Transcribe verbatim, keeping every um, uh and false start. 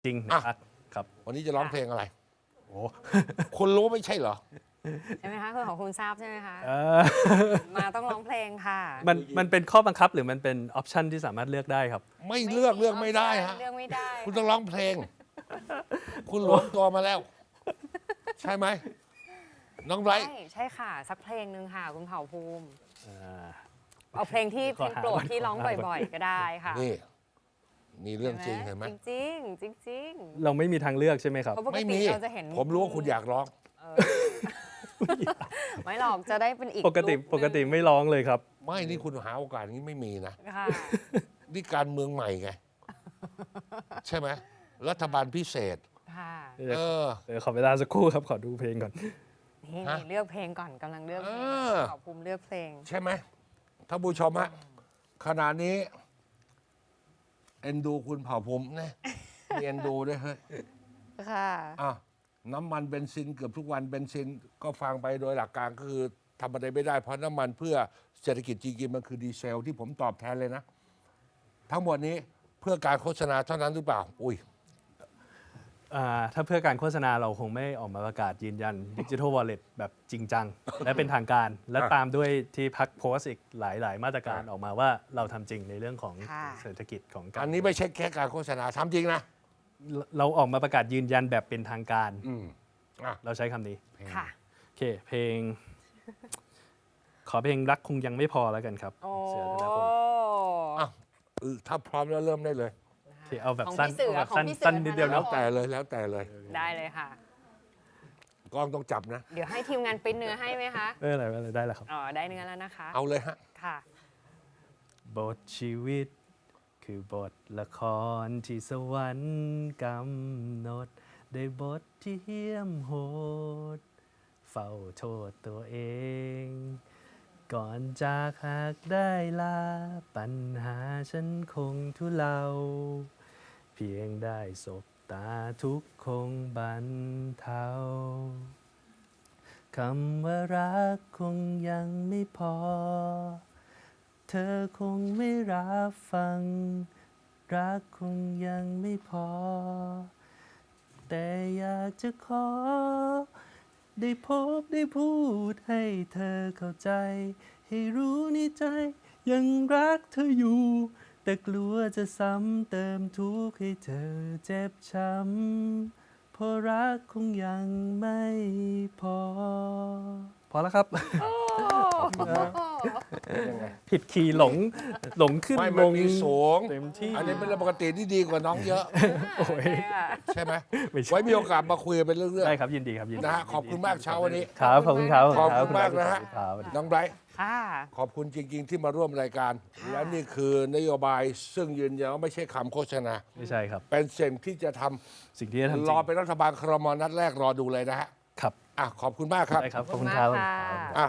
จริงอ่ะนะครับครับวันนี้จะร้องเพลงอะไรโอ้คุณรู้ไม่ใช่เหรอใช่ไหมคะคุณของคุณทราบใช่ไหมคะเออมาต้องร้องเพลงค่ะมันมันเป็นข้อบังคับหรือมันเป็นออปชันที่สามารถเลือกได้ครับไม่เลือกเลือกไม่ได้ฮะเลือกไม่ได้คุณต้องร้องเพลง คุณหลวมตัวมาแล้ว ใช่ไหมน้องไบรท์ใช่ใช่ค่ะ สักเพลงหนึ่งค่ะ คุณเผ่าภูมิอ่าเอาเพลงที่เพขอลงหาโปรดก่อนที่ร้องขอหาก่อนบ่อยๆ ก็ได้ค่ะนี่นี่เรื่องจริงเห็นไหมจริงๆจริงเราไม่มีทางเลือกใช่ไหมครับๆเพราะปกไม่ติมีเราจะเห็นผมรู้ว่าคุณอยากร้องเออไม่หรอกจะได้เป็นอีกปกติลุคหนึ่งปกติไม่ร้องเลยครับไม่นี่คุณหาโอกาสอย่างนี้ไม่มีนะค่ะนี่การเมืองใหม่ไง ใช่ไหมรัฐบาลพิเศษค่ะเออเดี๋ยวขอเวลาสักครู่ครับ ขอดูเพลงก่อนนี่ฮะนี่เลือกเพลงก่อนกำลังเลือกเพลงเออเผ่าภูมิเลือกเพลงใช่ไหมท่านผู้ชมฮะขณะนี้ เอ็นดูคุณเผ่าภูมินะมีเอ็นดูด้วยเฮ้ยค่ะอ่ะน้ำมันเบนซินเกือบทุกวันเบนซินก็ฟังไปโดยหลักการก็คือทำอะไรไม่ได้เพราะน้ำมันเพื่อเศรษฐกิจจริงๆมันคือดีเซลที่ผมตอบแทนเลยนะ ทั้งหมดนี้เพื่อการโฆษณาเท่านั้นหรือเปล่า อุ้ยอ่าถ้าเพื่อการโฆษณาเราคงไม่ออกมาประกาศยืนยัน Digital Wallet แบบจริงจัง และเป็นทางการ และอ่ะตามด้วยที่พักโพสต์อีกหลาย ๆ มาตรการอ่ะออกมาว่าเราทำจริงในเรื่องของค่ะเศรษฐกิจของการอันนี้ไม่ใช่แค่การโฆษณาทำจริงนะเราออกมาประกาศยืนยันแบบเป็นทางการอืมอ่ะเราใช้คำนี้ค่ะโอเค เพลง ขอเพลงรักคงยังไม่พอแล้วกันครับโอ้เสือธนพลอ่ะเออถ้าพร้อมแล้วเริ่มได้เลยโอเคเอาแบบของสั้นพี่เสือเอาแบบของสั้นพี่เสือสั้นนิดเดียวธนเนาะพลแต่เลยแล้วแต่เลยได้เลยค่ะกล้องต้องจับนะเดี๋ยวให้ทีมงานปริ้นเนื้อให้ไหมคะเอออะไรอะไรได้แล้วครับอ๋อ ได้เนื้อแล้วนะคะเอาเลยฮะค่ะบทชีวิต คือบทละครที่สวรรค์กำหนด ได้บทที่เหี้ยมโหด เฝ้าโทษตัวเอง ก่อนจากหากได้ลา ปัญหาฉันคงทุเลา เพียงได้สบตาทุกข์คงบรรเทา คำว่ารักคงยังไม่พอ เธอคงไม่รับฟัง รักคงยังไม่พอ แต่อยากจะขอ ได้พบได้พูดให้เธอเข้าใจ ให้รู้ในใจยังรักเธออยู่ แต่กลัวจะซ้ำเติมทุกข์ให้เธอเจ็บช้ำเพราะรักคงยังไม่พอ พอแล้วครับยังไงผิดคีย์หลงหลงขึ้นไม่ลมันงมีสูงเต็มที่อันนี้เป็นเรื่องปกติที่ดีกว่าน้องเยอะโอ้ยใช่ไหมไม่ใช่ไว้มีโอกาสมาคุยกันเป็นเรื่องได้ครับยินดีครับยินดีนะฮะขอบคุณมากเช้าวันนี้ครับขอบคุณครับขอบคุณมากนะฮะครับสวัสดีๆน้องไบรท์ค่ะขอบคุณจริง ๆ ที่มาร่วมรายการ และนี่คือนโยบายซึ่งยืนยันว่าไม่ใช่คำโฆษณาไม่ใช่ครับเป็นสิ่งที่จะทสิ่งที่จะทำจำริงรอเป็นรัฐบาลครมนัดแรกรอดูเลยนะฮะครับอ่ะขอบคุณมากครับได้ครับขอบคุณครับขอบคุณมากค่ะอ่ะ